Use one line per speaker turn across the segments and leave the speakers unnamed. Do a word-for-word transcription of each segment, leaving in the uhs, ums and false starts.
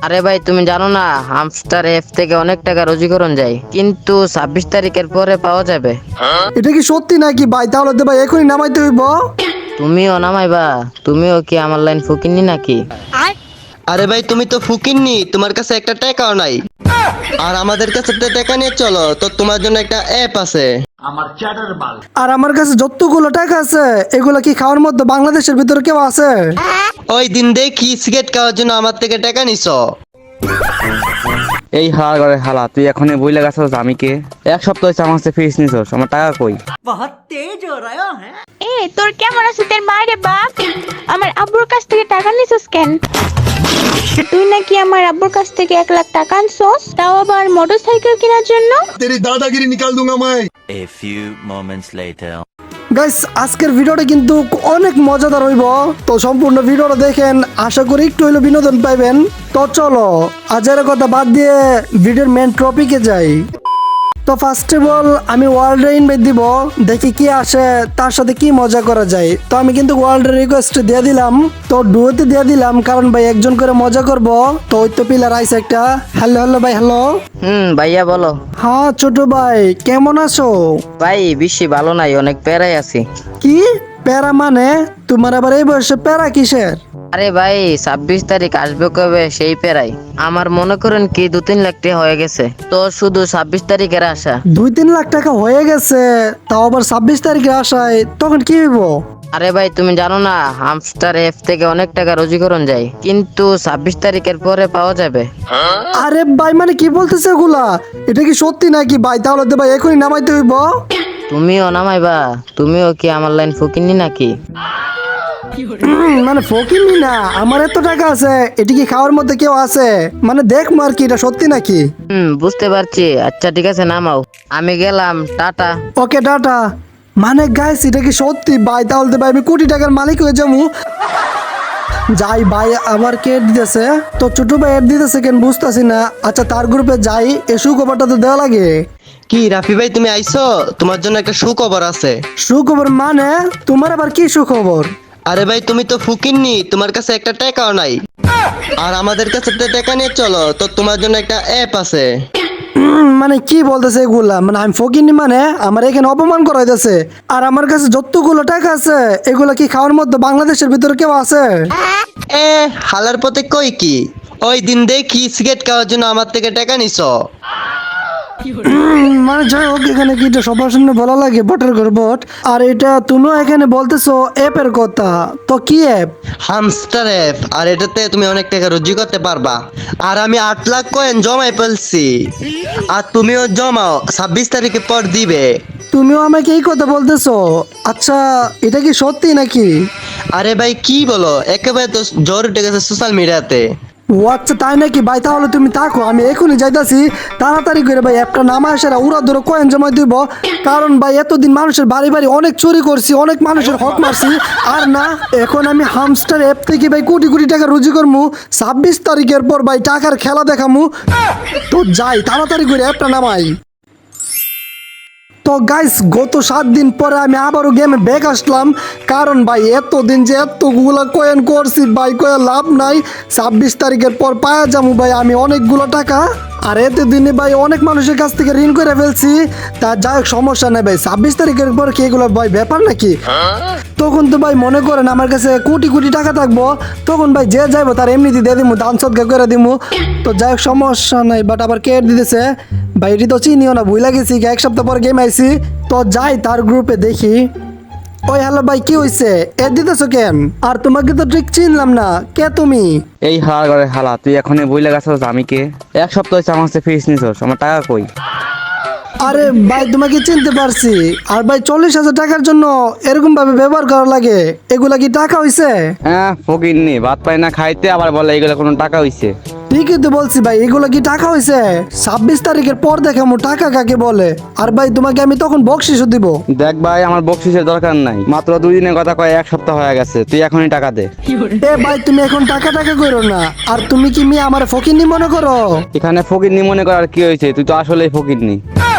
আরে ভাই তুমি জানো না হামস্টার অ্যাপ থেকে অনেক টাকা রোজীকরণ যায়, কিন্তু ছাব্বিশ তারিখের পরে পাওয়া যাবে।
এটা কি সত্যি নাকি ভাই? তাহলে তো ভাই এখনই নামাইতে হইব।
তুমিও নামাইবা? তুমিও কি আমার লাইন ফুকিনি নাকি?
আরে ভাই তুমি তো ফুকিননি, তোমার কাছে একটা টাকাও নাই। আর আমাদের কাছে একটা টাকা নিয়ে চলো, তো তোমার জন্য একটা অ্যাপ আছে।
আর আমার কাছে যতগুলো টাকা আছে এগুলো কি খাওয়ার মধ্যে বাংলাদেশের ভিতরে কেউ আছে?
ওই দিন দেখি সিগারেট খাওয়ার জন্য আমার থেকে টাকা নিছ।
এই হালা করে হালা, তুই এখনই বই লাগাছস আমি কে? এক সপ্তাহ হয়েছে আমার কাছে ফিস নিছস, আমার টাকা কই?
এ তোর কেমন আছে তোর মায়ের বাপ? আমার আব্বুর কাছ থেকে টাকা নিছিস কেন? তুই নাকি আমার আব্বুর কাছ থেকে এক লাখ টাকা আনছস, তাও আবার মোটরসাইকেল কেনার জন্য।
तेरी दादागिरी निकाल दूंगा मैं।
A few moments later.
Guys আজকের ভিডিওটা কিন্তু অনেক মজাদার হইব, তো সম্পূর্ণ ভিডিওটা দেখেন, আশা করি একটু হইলো বিনোদন পাইবেন। তো চলো আজের কথা বাদ দিয়ে ভিডিওর মেন টপিকে যাই। তো ফার্স্ট অফ অল আমি ওয়ার্ল্ডে ইনভাইট দিব, দেখি কি আসে, তার সাথে কি মজা করা যায়। তো আমি কিন্তু ওয়ার্ল্ডের রিকোয়েস্ট দিয়ে দিলাম, তো ডুয়োতে দিয়ে দিলাম, কারণ ভাই একজন করে মজা করব। তো ওই তো পিলার আইছে একটা। হ্যালো হ্যালো ভাই, হ্যালো।
হুম ভাইয়া বলো।
হ্যাঁ ছোট ভাই, কেমন আছো?
ভাই বেশি ভালো নাই, অনেক প্যারাই আছি।
কি প্যারা মানে? তোমার আবার এই বয়সে প্যারা কিসের?
আরে ভাই ছাব্বিশ তারিখ আসবে কবে সেই প্যারাই। আমার মনে করেন কি দু তিন লাখ টাকা হয়ে গেছে, তো শুধু ছাব্বিশ তারিখের আশা।
দুই তিন লাখ টাকা হয়ে গেছে, তাও আবার ছাব্বিশ তারিখে আসায়, তখন কি হইব?
আরে ভাই তুমি জানো না হামস্টার অ্যাপ থেকে অনেক টাকা রোজীকরণ যায়, কিন্তু ছাব্বিশ তারিখের পরে পাওয়া যাবে।
আরে ভাই মানে কি বলতেছে এগুলা? এটা কি সত্যি নাকি ভাই? তাহলে তো ভাই এখনই নামাইতে হইব।
তুমিও নামাইবা? তুমিও কি আমার লাইন ফুকিনি নাকি?
হুম, মানে ফকিনি না, আমার এত টাকা আছে, এটি কি খাওয়ার মধ্যে কেউ আছে? মানে দেখ মার কি এটা সত্যি নাকি?
হুম বুঝতে পারছি, আচ্ছা ঠিক আছে নামাও, আমি গেলাম, টাটা।
ওকে টাটা। মানে গাইস এটা কি সত্যি ভাই? তাহলে তো ভাই আমি কোটি টাকার মালিক হয়ে যাবো। যাই ভাই, আবার কে দিতেছে? তো ছোট ভাই এর দিতেছে কেন বুঝতেছি না। আচ্ছা তার গ্রুপে যাই, এ সুখবরটা তো দেওয়া লাগে।
কি রাফি ভাই তুমি আইছো? তোমার জন্য একটা সুখবর আছে।
সুখবর মানে? তোমার আবার কি সুখবর?
আরে ভাই তুমি তো ফুকিননি, তোমার কাছে একটা টাকাও নাই। আর আমাদের কাছে একটা টাকা নিয়ে চলো, তো তোমার জন্য একটা অ্যাপ আছে।
উম, মানে কি বলতেছে এগুলা? মানে আমি ফকিনি মানে আমার এখানে অপমান করা হইতেছে। আর আমার কাছে যতগুলো টাকা আছে এগুলা কি খাওয়ার মধ্যে বাংলাদেশের ভিতরে কেউ আছে?
এ হালার পথে কই কি? ওই দিন দেখি সিগারেট খাওয়ার জন্য আমার থেকে টাকা নিছ।
উম, মানে যাই হোক, এখানে কি এটা সবার সামনে বলা লাগে বটের ঘর বট? আর এটা তুমিও এখানে বলতেছো অ্যাপের কথা, তো কি অ্যাপ?
হামস্টার অ্যাপ, আর এটাতে তুমি অনেক টাকা রুজি করতে পারবা। আর আমি আট লাখ কয়েন জমাই ফেলছি, আর তুমিও জমাও, ছাব্বিশ তারিখের পর দিবে।
তুমিও আমাকে এই কথা বলতেছো? আচ্ছা এটা কি সত্যি নাকি?
আরে ভাই কি বলো, একেবারে তো জ্বর উঠে গেছে সোশ্যাল মিডিয়াতে।
ও আচ্ছা তাই নাকি ভাই? তাহলে তুমি থাকো, আমি এখনই যাইতাছি। তাড়াতাড়ি করে ভাই অ্যাপটা নামা আসারা উড়া ধরে কয়েন জমা দিব, কারণ ভাই এতদিন মানুষের বাড়ি বাড়ি অনেক চুরি করছি, অনেক মানুষের হক মারছি। আর না, এখন আমি হামস্টার অ্যাপ থেকে ভাই কোটি কোটি টাকা রুজি করবো। ছাব্বিশ তারিখের পর ভাই টাকার খেলা দেখামু। তো যাই তাড়াতাড়ি করে অ্যাপটা নামাই। তো গাইস গত সাত দিন পরে আমি আবারও গেমে ব্যাক আসলাম, কারণ ভাই এতদিন যে এতগুলো কয়েন করছি ভাই, কয়ে লাভ নাই। ছাব্বিশ তারিখের পর পাওয়া যাবো ভাই আমি অনেকগুলো টাকা। আর এতদিনে ভাই অনেক মানুষের কাছ থেকে ঋণ করে ফেলছি, তা যাই হোক সমস্যা নেই ভাই। ছাব্বিশ তারিখের পর কি এগুলো ভাই ব্যাপার নাকি? তখন তো ভাই মনে করেন আমার কাছে কোটি কোটি টাকা থাকবো, তখন ভাই যে যাইবো তার এমনিতে দিয়ে দিমু, দান সদকা করে দিমু। তো যাই হোক সমস্যা নাই। বাট আবার কে দিতেছে ভাই? এটি তো চিনিও না, ভুলে গেছি, এক সপ্তাহ পর গেম আইছি। তো যাই তার গ্রুপে দেখি। ওই হ্যালো ভাই, কি হইছে? এ দিতেছো কেন? আর তোমাকে তো ঠিক চিনলাম না, কে তুমি?
এই হালা করে হালা, তুই এখনই বই লাগাছস আমি কে? এক সপ্তাহ হয়েছে আমার কাছে ফিস নিছস, আমার টাকা কই?
আরে ভাই তোমাকে চিনতে পারছি। আর ভাই চল্লিশ হাজার টাকার জন্য এরকম ভাবে ব্যবহার করা লাগে, এগুলা কি টাকা হইছে?
হ্যাঁ ফকিরনি, ভাত পাই না খাইতে, আবার বলে এইগুলো কোনো টাকা হইছে?
ঠিকই তো বলছি ভাই, এগুলো কি টাকা হইছে? ছাব্বিশ তারিখের পর দেখামু টাকা কাকে বলে। আর ভাই তোমাকে আমি তখন বকশিসও দিব।
দেখ ভাই, আমার বকশিসের দরকার নাই, মাত্র দুই দিনের কথা কয়, এক সপ্তাহ হয়ে গেছে, তুই এখনই টাকা দে।
এ ভাই তুমি এখন টাকা টাকা করো না। আর তুমি কি মেয়ে আমার ফকিরনি মনে করো?
এখানে ফকিরনি মনে করার কি হয়েছে? তুই তো আসলেই ফকিরনি।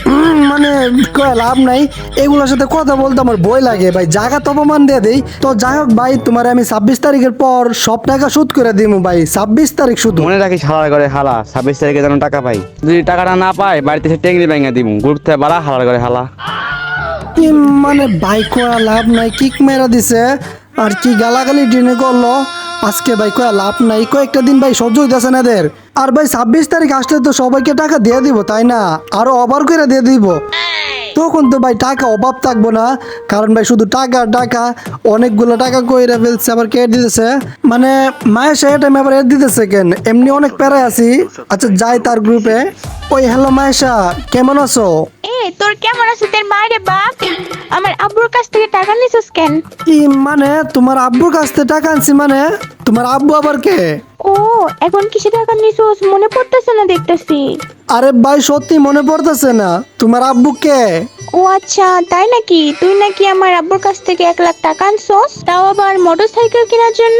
উম, মানে কয় লাভ নাই, এগুলোর সাথে কথা বলতে আমার ভয় লাগে ভাই, জায়গা তো অপমান দিয়ে দেই। তো যাই হোক ভাই, তোমার আমি ছাব্বিশ তারিখের পর সব টাকা শোধ করে দিব ভাই, ছাব্বিশ তারিখ শুধু।
মনে রাখিস হালার করে হালা, ছাব্বিশ তারিখে যেন টাকা পাই। যদি টাকাটা না পাই বাড়িতে এসে টেঙ্গি ভেঙে দিব, গ্রুপ থেকে বাড়া হালার করে হালা।
কি মানে ভাই কয়া লাভ নাই, কিক মেরা দিছে আর কি গালাগালি ডিনে করলো আজকে ভাই, কয়া লাভ নাই, কয়েকটা দিন ভাই সহ্য হইতেছে না এদের। আর ভাই ছাব্বিশ তারিখ আসলে তো সবাইকে টাকা দিয়ে দিব তাই না, আরো ওভার করে দিয়ে দিব, তখন তো ভাই টাকা অভাব থাকবো না, কারণ ভাই শুধু টাকা টাকা, অনেকগুলো টাকা কইরা ফেলছে, আবার কে দিতেছে মানে মায়ের সে টাইম আবার এর দিতেছে কেন, এমনি অনেক প্যারায় আছি। আচ্ছা যাই তার গ্রুপে। ওই হ্যালো মায়েশা, কেমন আছো?
এ তোর কেমন আছে তোর মায়ের বাপ? আমার আব্বুর কাছ থেকে টাকা নিছিস কেন?
কি মানে তোমার আব্বুর কাছ থেকে টাকা আনছি মানে? তোমার আব্বু আবার কে?
ও এখন কিসে টাকা নিছিস মনে পড়তেছে না দেখতেছি।
আরে ভাই সত্যি মনে পড়তেছে না, তোমার আব্বু কে?
ও আচ্ছা তাই নাকি, তুই নাকি আমার আব্বুর কাছ থেকে এক লাখ টাকা আনছস, তাও আবার মোটরসাইকেল কেনার জন্য।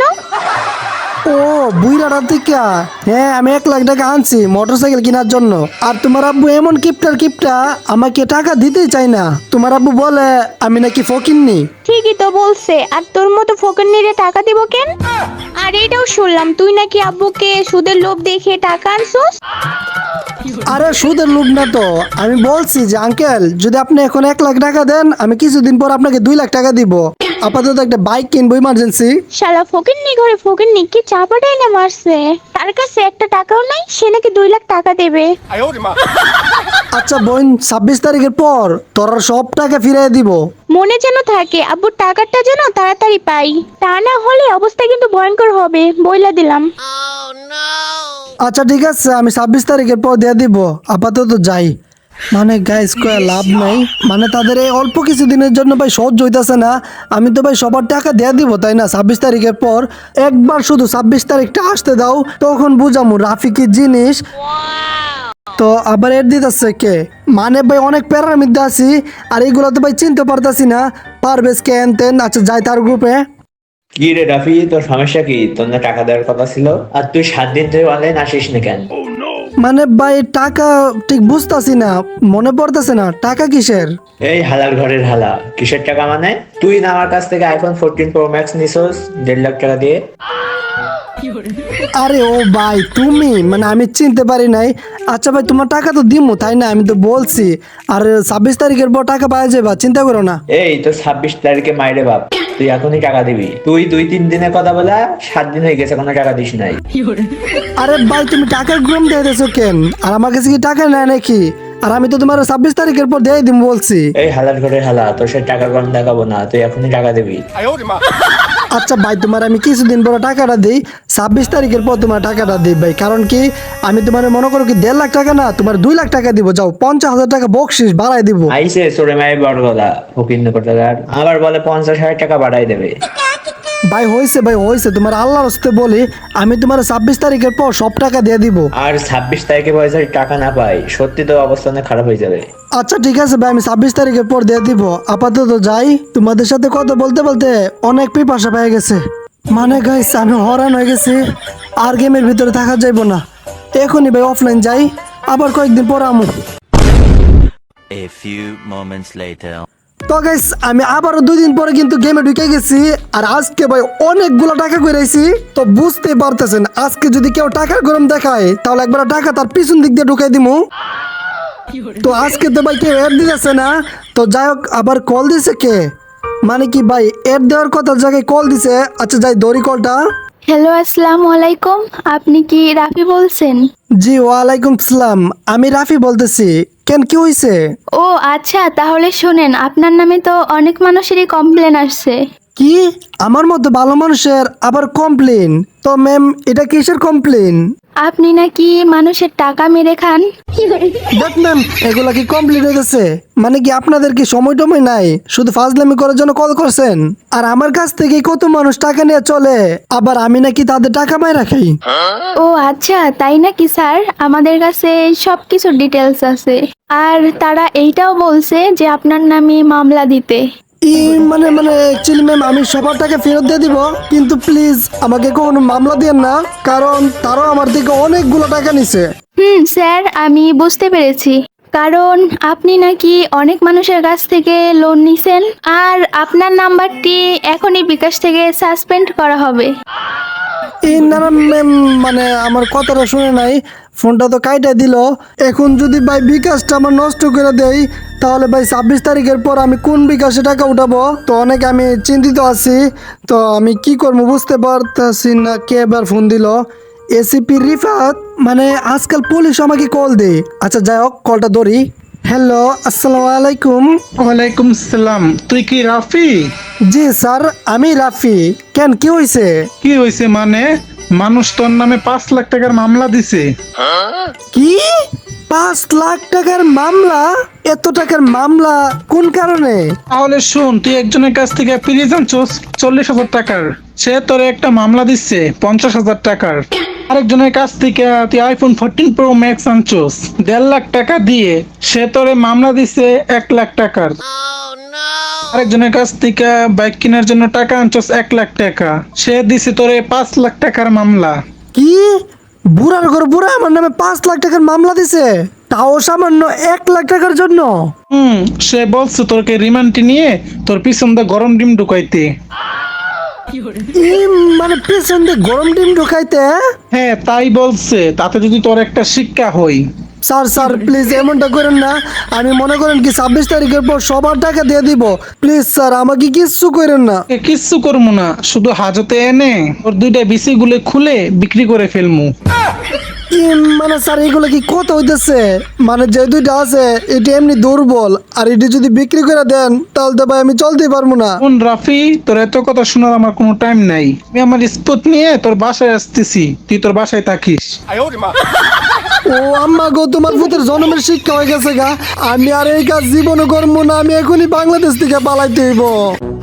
ও বুইরাটা থেকে, হ্যাঁ আমি এক লাখ টাকা আনছি মোটরসাইকেল কেনার জন্য। আর তোমার আব্বু এমন কিপটার কিপটা, আমাকে টাকা দিতেই চাই না। তোমার আব্বু বলে আমি নাকি ফকিন্নি।
ঠিকই তো বলছে, আর তোর মতো ফকিন্নিরে টাকা দিব কেন? আর এটাও শুনলাম তুই নাকি আব্বুকে সুদের লোভ দেখে টাকা আনছস।
আরে সুদের লোভ না তো, আমি বলছি যে আঙ্কেল যদি আপনি এখন এক লাখ টাকা দেন, আমি কিছুদিন পর আপনাকে দুই লাখ টাকা দিব, আপাতত একটা বাইক কিনবো ইমার্জেন্সি।
শালা ফকিন্নি ঘরে ফকিন্নি কি চাপাটাই না মারছে, তার কাছে একটা টাকাও নাই, সে নাকি দুই লাখ টাকা দেবে।
আচ্ছা বোন, ছাব্বিশ তারিখের পর তোর সব টাকা ফিরিয়ে দিব।
মনে যেন থাকে আব্বুর টাকাটা যেন তাড়াতাড়ি পাই, তা না হলে অবস্থা কিন্তু ভয়ঙ্কর হবে বইলা দিলাম।
আচ্ছা ঠিক আছে, আমি ছাব্বিশ তারিখের পর দিয়ে দিব, আপাতত যাই। মানে গাইস কয়া লাভ নাই, মানে তাদের এই অল্প কিছু দিনের জন্য ভাই সহ্য হইতাছে না। আমি তো ভাই সবার টাকা দিয়ে দিব তাই না ছাব্বিশ তারিখের পর, একবার শুধু ছাব্বিশ তারিখটা আসতে দাও, তখন বুঝামু রাফি কি জিনিস। তো আবার এর দিতেছে কে, মানে ভাই অনেক প্যারার মধ্যে আছি, আর এইগুলো তো ভাই চিনতে পারতাছি না, পারবেশ কে তেন। আচ্ছা যাই তার গ্রুপে।
কি রে রাফি, তোর সমস্যা কি? তোর না টাকা দেওয়ার কথা ছিল, আর তুই সাত দিন ধরে অনলাইন আসিস না কেন?
মানে ভাই টাকা ঠিক বুঝতাছি না, মনে পড়তেছে না টাকা কিসের।
এই হালার ঘরের হালা, কিসের টাকা মানে? তুই না আমার কাছ থেকে আইফোন ফোরটিন প্রো ম্যাক্স নিছস দেড় লাখ টাকা দিয়ে।
আরে ও ভাই তুমি, মানে আমি চিনতে পারি নাই। আচ্ছা ভাই তোমার টাকা তো দিমু তাই না, আমি তো বলছি, আর ছাব্বিশ তারিখের পর টাকা পাওয়া যাবে, চিন্তা করো না।
এই তো ছাব্বিশ তারিখে মাইরে বাপ, তুই এখনই টাকা দিবি। তুই দুই তিন দিনের কথা বলা, সাত দিন হয়ে গেছে কোনো টাকা দিস নাই।
আরে ভাই তুমি টাকার গ্রুম দিয়ে দিয়েছো কেন, আর আমার কাছে কি টাকা নেয় নাকি? আর আমি তো তোমার ছাব্বিশ তারিখের পর দিয়ে দিম বলছি।
এই হালার ঘরের হালা, তোর সে টাকা কম দেখাবো না, তুই এখনই টাকা দিবি।
আচ্ছা ভাই তোমার আমি কিছুদিন পরে টাকাটা দিই, ছাব্বিশ তারিখের পর তোমার টাকাটা দিই ভাই, কারণ কি আমি তোমার মনে করো কি দেড় লাখ টাকা না, তোমার দুই লাখ টাকা দিব, যাও পঞ্চাশ হাজার টাকা বকশিস বাড়াই দিব।
আইসে সোরে মায়ের বড় গলা ফকির কোটাকার, আবার বলে পঞ্চাশ হাজার টাকা বাড়াই দেবে।
ভাই হয়েছে ভাই হয়েছে, তোমার আল্লাহর হস্তে বলি, আমি তোমার ছাব্বিশ তারিখের পর সব টাকা দিয়ে দিব।
আর ছাব্বিশ তারিখে পয়সা টাকা না পাই, সত্যি তো অবস্থা অনেক খারাপ হয়ে যাবে।
আচ্ছা ঠিক আছে ভাই, আমি ছাব্বিশ তারিখের পর দিয়ে দিব, আপাতত যাই। তোমাদের সাথে কথা বলতে বলতে অনেক পিপাসা পেয়ে গেছে, মানে গাইস আমি হরান হয়ে গেছি, আর গেমের ভিতরে থাকা যাইব না, এখনই ভাই অফলাইন যাই, আবার কয়েকদিন পর আমু।
A few moments later.
তো গাইস আমি আবারও দুই দিন পরে কিন্তু গেমে ঢুকে গেছি, আর আজকে ভাই অনেকগুলো টাকা কইরাইছি। তো বুঝতেই পারতেছেন আজকে যদি কেউ টাকার গরম দেখায়, তাহলে একবার টাকা তার পিছন দিক দিয়ে ঢুকাই দিমু। তো আজকে তো ভাই কেউ এড দিতেছে না, তো যাই হোক আবার কল দিছে কে, মানে কি ভাই এড দেওয়ার কথা জায়গায় কল দিছে। আচ্ছা যাই দড়ি কলটা।
হ্যালো আসসালামু আলাইকুম, আপনি কি রাফি বলছেন?
জি ওয়ালাইকুম সালাম, আমি রাফি বলতেছি, কেন কি হয়েছে?
ও আচ্ছা, তাহলে শোনেন, আপনার নামে তো অনেক মানুষেরই কমপ্লেন আসছে।
কি আমার মতো ভালো মানুষের আবার কমপ্লেন? তো ম্যাম এটা কিসের কমপ্লেন?
আপনি নাকি মানুষের টাকা মেরে খান।
দেখ ম্যাম এগুলা কি কমপ্লিট হয়ে গেছে? মানে কি আপনাদের কি সময় টময় নাই, শুধু ফাজলামি করার জন্য কল করছেন? আর আমার কাছ থেকে কত মানুষ টাকা নিয়ে চলে, আবার আমি নাকি তাদের টাকা পাই রাখি।
ও আচ্ছা তাই নাকি স্যার, আমাদের কাছে সব কিছু ডিটেলস আছে, আর তারা এইটাও বলছে যে আপনার নামে মামলা দিতে।
ই মানে মানে অ্যাকচুয়ালি ম্যাম আমি সবার টাকা ফেরত দিয়ে দিব, কিন্তু প্লিজ আমাকে কোনো মামলা দিয়েন না, কারণ তারাও আমার থেকে অনেকগুলো টাকা নিছে।
হুম স্যার, আমি বুঝতে পেরেছি, কারণ আপনি নাকি অনেক মানুষের কাছ থেকে লোন নিছেন, আর আপনার নাম্বারটি এখনই বিকাশ থেকে সাসপেন্ড করা হবে।
এই না না ম্যাম, মানে আমার কথাটা শুনে নাই, ফোনটা তো কাইটা দিল। এখন যদি ভাই বিকাশটা আমার নষ্ট করে দেই, তাহলে ভাই ছাব্বিশ তারিখের পর আমি কোন বিকাশে টাকা উঠাবো? তো অনেক আমি চিন্তিত আছি, তো আমি কি করবো বুঝতে পারতেছি না। কে এবার ফোন দিল? এসিপি রিফাত, মানে আজকাল পুলিশ আমাকে কল দে। আচ্ছা যাই হোক, কলটা ধরি। হ্যালো, আসসালামু আলাইকুম।
ওয়ালাইকুম সালাম। তুই কি রাফি?
জি স্যার, আমি রাফি। কেন, কি হয়েছে?
কি হয়েছে মানে? মানুষ তোর নামে পাঁচ লাখ টাকার মামলা দিছে।
কি পাঁচ লাখ টাকার মামলা? এত টাকার মামলা কোন কারণে?
তাহলে শোন, তুই একজনের কাছ থেকে ফ্রিজ আনছোস চল্লিশ হাজার টাকার, সে তোর একটা মামলা দিচ্ছে পঞ্চাশ হাজার টাকার। আরেকজনের কাছ থেকে তুই আইফোন ফোরটিন প্রো ম্যাক্স আনছোস দেড় লাখ টাকা দিয়ে, সে তোরে মামলা দিচ্ছে এক লাখ টাকার। আরেকজনের কাছ থেকে বাইক কেনার জন্য টাকা আনছোস এক লাখ টাকা, সে দিছে তোরে পাঁচ লাখ টাকার মামলা।
কি বুড়ার ঘর বুড়া আমার নামে পাঁচ লাখ টাকার মামলা দিছে, তাও সামান্য এক লাখ টাকার জন্য?
হুম, সে বলছে তোরকে রিমান্ডে নিয়ে তোর পিছন দিয়ে গরম ডিম ঢুকাইতে।
ই, মানে পেছন দিয়ে গরম ডিম ঢুকাইতে?
হ্যাঁ তাই বলছে, তাতে যদি তোর একটা শিক্ষা হই।
স্যার স্যার প্লিজ এমনটা করেন না। আমি মনে করেন কি ছাব্বিশ তারিখের পর সবার টাকা দিয়ে দিব। প্লিজ স্যার, আমাকে কিচ্ছু করেন না।
এ কিচ্ছু করবো না, শুধু হাজতে এনে ওর দুইটা বিসি গুলো খুলে বিক্রি করে ফেলমু।
ই, মানে স্যার এগুলো কি কথা হইতেছে? মানে যে দুইটা আছে এটি এমনি দুর্বল, আর এটি যদি বিক্রি করে দেন তাহলে তো ভাই আমি চলতেই পারবো না।
কোন রাফি, তোর এত কথা শোনার আমার কোনো টাইম নাই। আমি আমার স্পট নিয়ে তোর বাসায় আসতেছি, তুই তোর বাসায় থাকিস।
ও আম্মা গো, তোমার ভূতের জন্মের শিক্ষা হয়ে গেছে গা। আমি আর এই কাজ জীবনে করবো না, আমি এখনই বাংলাদেশ থেকে পালাইতে হইব।